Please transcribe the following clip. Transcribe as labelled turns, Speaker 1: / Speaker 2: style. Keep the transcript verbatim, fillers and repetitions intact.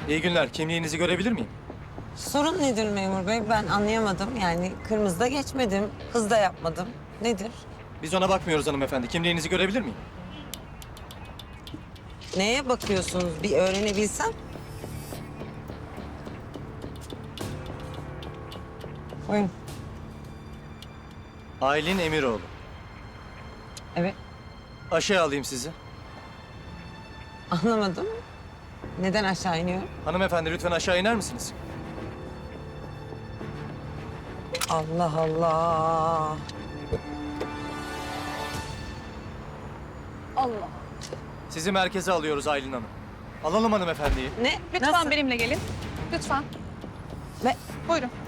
Speaker 1: İyi günler. Kimliğinizi görebilir miyim?
Speaker 2: Sorun nedir memur bey? Ben anlayamadım. Yani kırmızıda geçmedim, hızda yapmadım. Nedir?
Speaker 1: Biz ona bakmıyoruz hanımefendi. Kimliğinizi görebilir miyim?
Speaker 2: Neye bakıyorsunuz? Bir öğrenebilsem. Buyurun.
Speaker 1: Aylin Emiroğlu.
Speaker 2: Evet.
Speaker 1: Aşağı alayım sizi.
Speaker 2: Anlamadım. Neden aşağı iniyorum?
Speaker 1: Hanımefendi lütfen aşağı iner misiniz?
Speaker 2: Allah Allah.
Speaker 3: Allah.
Speaker 1: Sizi merkeze alıyoruz Aylin Hanım. Alalım hanımefendiyi.
Speaker 2: Ne?
Speaker 3: Lütfen
Speaker 2: Nasıl?
Speaker 3: benimle gelin. Lütfen.
Speaker 2: Ne?
Speaker 3: Buyurun.